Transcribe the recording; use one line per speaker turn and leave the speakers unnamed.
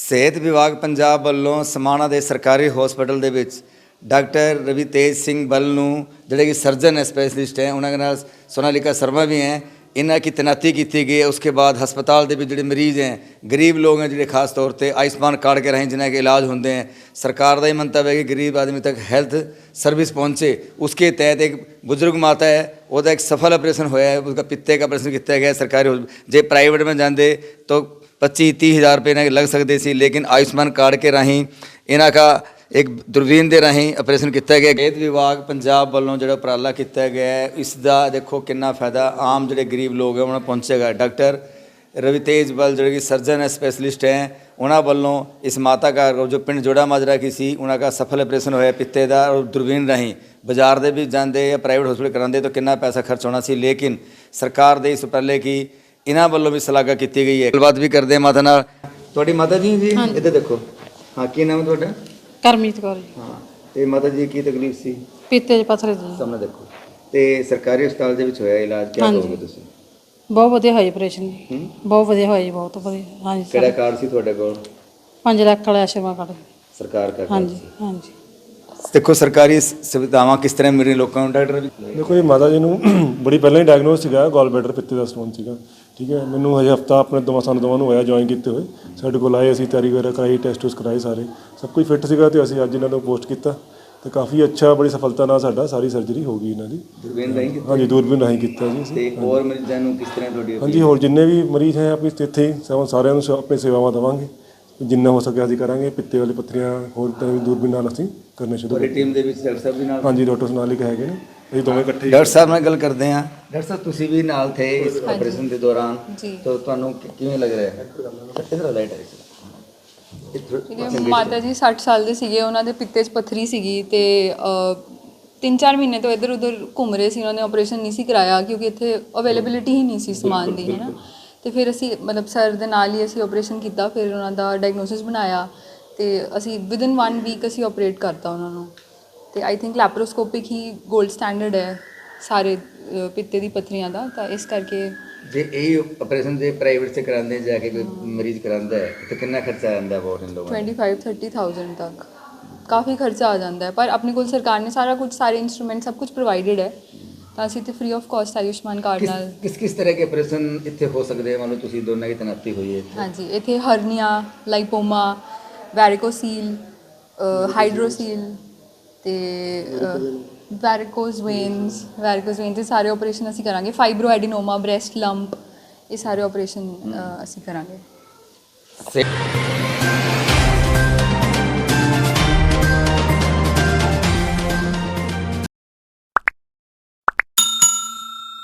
ਸਿਹਤ ਵਿਭਾਗ ਪੰਜਾਬ ਵੱਲੋਂ ਸਮਾਣਾ ਦੇ ਸਰਕਾਰੀ ਹਸਪਤਾਲ ਦੇ ਵਿੱਚ ਡਾਕਟਰ ਰਵੀਤੇਜ ਸਿੰਘ ਬੱਲ ਨੂੰ ਜਿਹੜੇ ਕਿ सर्जन स्पैशलिस्ट हैं उन्होंने नाल सोनालिका शर्मा भी हैं इन्हों की तैनाती की गई है। उसके बाद हस्पताल के जो मरीज़ हैं गरीब लोग हैं जो खास तौर पर आयुष्मान कार्ड के राही जिन्हें के इलाज होंगे हैं सरकार का ही मंतव्य है कि गरीब आदमी तक हेल्थ सर्विस पहुँचे। उसके तहत एक बुजुर्ग माता है वह एक सफल ऑपरेशन होया है, उसका पित्ते का ऑपरेशन किया गया सरकारी जे प्राइवेट में जाते तो 25-30 हज़ार रुपये इन्हें लग सकते सी, लेकिन आयुष्मान कार्ड के राही इन्हों का एक दूरबीन के राही ऑपरेशन किया गया। सिहत विभाग पंजाब वालों जो उपराला किया गया है इसका देखो कितना फायदा आम जो गरीब लोग हैं उन्हें पहुँचेगा। डॉक्टर रवितेज बल जो कि सर्जन स्पैशलिस्ट हैं उन्होंने वालों इस माता का जो पिंड जोड़ा माजरा की सी उनका सफल ऑपरेशन होया पित्ते का और दूरबीन राही बाजार दे भी जाते या प्राइवेट हॉस्पिटल कराते तो कितना पैसा खर्च होना सी, लेकिन सरकार दे इस उपराले की इन्होंने वालों भी सलाह की गई है। गलबात भी करते हैं माता नाल। तुहाडी माता जी जी इधर देखो, हाँ की नाम है तुहाडा?
ਕਰਮੀਤ ਕੌਰ ਜੀ।
हाँ तो माता जी की तकलीफ सी?
ਪੀਤੇ 'ਚ ਪੱਥਰ ਜੀ।
सामने देखो तो सरकारी हस्पताल ਦੇ ਵਿੱਚ ਹੋਇਆ ਇਲਾਜ ਕਿਆ
ਹਾਂਜੀ।
ਕਹੋਗੇ ਤੁਸੀਂ?
ਬਹੁਤ ਵਧੀਆ ਹੋਈ ਆਪਰੇਸ਼ਨ ਜੀ। ਬਹੁਤ ਵਧੀਆ ਹੋਈ, ਬਹੁਤ ਵਧੀਆ। ਹਾਂਜੀ
ਕਿਹੜਾ ਕਾਰਡ ਸੀ ਤੁਹਾਡੇ ਕੋਲ?
5 ਲੱਖ ਵਾਲਾ ਆਸ਼ਰਮਾ ਕਾਰਡ।
ਸਰਕਾਰ ਦਾ
ਹਾਂਜੀ ਹਾਂਜੀ।
ਦੇਖੋ ਸਰਕਾਰੀ ਸੁਵਿਧਾਵਾਂ ਕਿਸ ਤਰ੍ਹਾਂ ਮਿਲ ਰਹੀਆਂ ਲੋਕਾਂ ਨੂੰ। ਡਾਕਟਰ ਵੀ
ਦੇਖੋ ਇਹ ਮਾਤਾ ਜੀ ਨੂੰ ਬੜੀ ਪਹਿਲਾਂ ਹੀ ਡਾਇਗਨੋਸ ਸੀਗਾ ਗੋਲ ਬੈਡਰ ਪਿੱਤੇ ਦਾ ਸਟੋਨ ਸੀਗਾ, ਠੀਕ ਹੈ। ਮੈਨੂੰ ਹਜੇ ਹਫਤਾ ਆਪਣੇ ਸਾਨੂੰ ਦੋਵਾਂ ਨੂੰ ਹੋਇਆ ਜੁਆਇਨ ਕੀਤੇ ਹੋਏ। ਸਾਡੇ ਕੋਲ ਆਏ, ਅਸੀਂ ਤਿਆਰੀ ਵਗੈਰਾ ਕਰਾਈ, ਟੈਸਟ ਟੂਸ ਕਰਾਏ, ਸਾਰੇ ਸਭ ਕੁਝ ਫਿੱਟ ਸੀਗਾ ਤੇ ਅਸੀਂ ਅੱਜ ਇਹਨਾਂ ਨੂੰ ਪੋਸਟ ਕੀਤਾ ਤੇ ਕਾਫੀ ਅੱਛਾ ਬੜੀ ਸਫਲਤਾ ਨਾਲ ਸਾਡਾ ਸਾਰੀ ਸਰਜਰੀ ਹੋ ਗਈ ਇਹਨਾਂ ਦੀ।
ਦੂਰਬੀਨ ਰਾਹੀਂ ਕੀਤਾ?
ਹਾਂਜੀ ਦੂਰਬੀਨ ਰਾਹੀਂ ਕੀਤਾ ਜੀ ਅਸੀਂ।
ਤੇ ਹੋਰ ਮਰੀਜ਼ਾਂ ਨੂੰ ਕਿਸ ਤਰ੍ਹਾਂ ਤੁਹਾਡੀ?
ਹਾਂਜੀ ਹੋਰ ਜਿੰਨੇ ਵੀ ਮਰੀਜ਼ ਹੈ ਆਪਣੀ ਇੱਥੇ ਸਾਰਿਆਂ ਨੂੰ ਆਪਣੀ ਸੇਵਾਵਾਂ ਦੇਵਾਂਗੇ, ਜਿੰਨਾ ਹੋ ਸਕੇ ਅਸੀਂ ਕਰਾਂਗੇ। ਪਿੱਤੇ ਵਾਲੀ ਪੱਥਰੀਆਂ ਹੋਰ ਤਾਂ ਵੀ ਦੂਰਬੀਨ ਨਾਲ ਅਸੀਂ ਕਰਨੇ ਸ਼ੁਰੂ
ਤੁਹਾਡੀ ਟੀਮ ਦੇ ਵਿੱਚ ਡਾਕਟਰ ਸਾਹਿਬ ਵੀ ਨਾਲ?
ਹਾਂਜੀ ਡਾਕਟਰ ਸੋਨਾਲਿਕ ਹੈਗੇ ਨੇ, ਅਸੀਂ ਦੋਵੇਂ ਇਕੱਠੇ।
ਡਾਕਟਰ ਸਾਹਿਬ ਨਾਲ ਗੱਲ ਕਰਦੇ ਹਾਂ। ਡਾਕਟਰ ਸਾਹਿਬ ਤੁਸੀਂ ਵੀ ਨਾਲ ਥੇ ਇਸ ਆਪਰੇਸ਼ਨ ਦੇ ਦੌਰਾਨ ਤਾਂ ਤੁਹਾਨੂੰ ਕਿਵੇਂ ਲੱਗ ਰਿਹਾ ਹੈ? ਇਧਰ ਲਾਈਟ ਹੈ
ਮਾਤਾ ਜੀ 60 ਸਾਲ ਦੇ ਸੀਗੇ, ਉਹਨਾਂ ਦੇ ਪਿੱਤੇ 'ਚ ਪੱਥਰੀ ਸੀਗੀ ਤੇ 3-4 ਮਹੀਨੇ ਤੋਂ ਇੱਧਰ ਉੱਧਰ ਘੁੰਮ ਰਹੇ ਸੀ। ਉਹਨਾਂ ਨੇ ਆਪਰੇਸ਼ਨ ਨਹੀਂ ਸੀ ਕਰਾਇਆ ਕਿਉਂਕਿ ਇੱਥੇ ਅਵੇਲੇਬਿਲਿਟੀ ਹੀ ਨਹੀਂ ਸੀ ਸਮਾਨ ਦੀ, ਹੈ ਨਾ। ਤੇ ਫਿਰ ਅਸੀਂ ਮਤਲਬ ਸਰ ਦੇ ਨਾਲ ਹੀ ਅਸੀਂ ਆਪਰੇਸ਼ਨ ਕੀਤਾ, ਫਿਰ ਉਹਨਾਂ ਦਾ ਡਾਇਗਨੋਸਿਸ ਬਣਾਇਆ ਤੇ ਅਸੀਂ ਵਿਦਿਨ 1 ਵੀਕ ਅਸੀਂ ਆਪਰੇਟ ਕਰਤਾ ਉਹਨਾਂ ਨੂੰ। ਤੇ ਆਈ ਥਿੰਕ ਲੈਪਰੋਸਕੋਪਿਕ ਹੀ ਗੋਲਡ ਸਟੈਂਡਰਡ ਹੈ ਸਾਰੇ ਪਿੱਤੇ ਦੀ ਪੱਥਰੀਆਂ ਦਾ, ਤਾਂ ਇਸ ਕਰਕੇ
ਜੇ ਇਹ ਆਪਰੇਸ਼ਨ ਜੇ ਪ੍ਰਾਈਵੇਟ ਸੇ ਕਰਾਉਂਦੇ ਜਾ ਕੇ ਕੋਈ ਮਰੀਜ਼ ਕਰਾਉਂਦਾ ਹੈ ਤਾਂ ਕਿੰਨਾ ਖਰਚਾ ਆ ਜਾਂਦਾ ਬਹੁਤ ਇਨ ਲੋਕਾਂ ਦਾ?
25-30,000 ਤੱਕ ਕਾਫੀ ਖਰਚਾ ਆ ਜਾਂਦਾ ਹੈ, ਪਰ ਆਪਣੇ ਕੋਲ ਸਰਕਾਰ ਨੇ ਸਾਰਾ ਕੁਝ, ਸਾਰੇ ਇੰਸਟਰੂਮੈਂਟ ਸਭ ਕੁਝ ਪ੍ਰੋਵਾਈਡਡ ਹੈ, ਤਾਂ ਅਸੀਂ ਤੇ free of cost Ayushman card ਨਾਲ।
ਕਿਸ ਤਰ੍ਹਾਂ ਦੇ ਆਪਰੇਸ਼ਨ ਇੱਥੇ ਹੋ ਸਕਦੇ ਆ? ਮੰਨ ਲਓ ਤੁਸੀਂ ਦੋਨਾਂ ਦੀ ਤੈਨਾਤੀ ਹੋਈ ਹੈ ਇੱਥੇ।
ਹਾਂਜੀ ਇੱਥੇ ਹਰਨੀਆ, ਲਾਈਪੋਮਾ, ਵੈਰਿਕੋਸੀਲ, ਹਾਈਡਰੋਸੀਲ ਤੇ ਵੈਰਿਕੋਜ਼ ਵੇਨਸ ਦੇ ਸਾਰੇ ਆਪਰੇਸ਼ਨ ਅਸੀਂ ਕਰਾਂਗੇ। ਫਾਈਬਰੋ ਐਡੀਨੋਮਾ, ਬ੍ਰੈਸਟ ਲੰਪ, ਇਹ ਸਾਰੇ ਆਪਰੇਸ਼ਨ ਅਸੀਂ ਕਰਾਂਗੇ।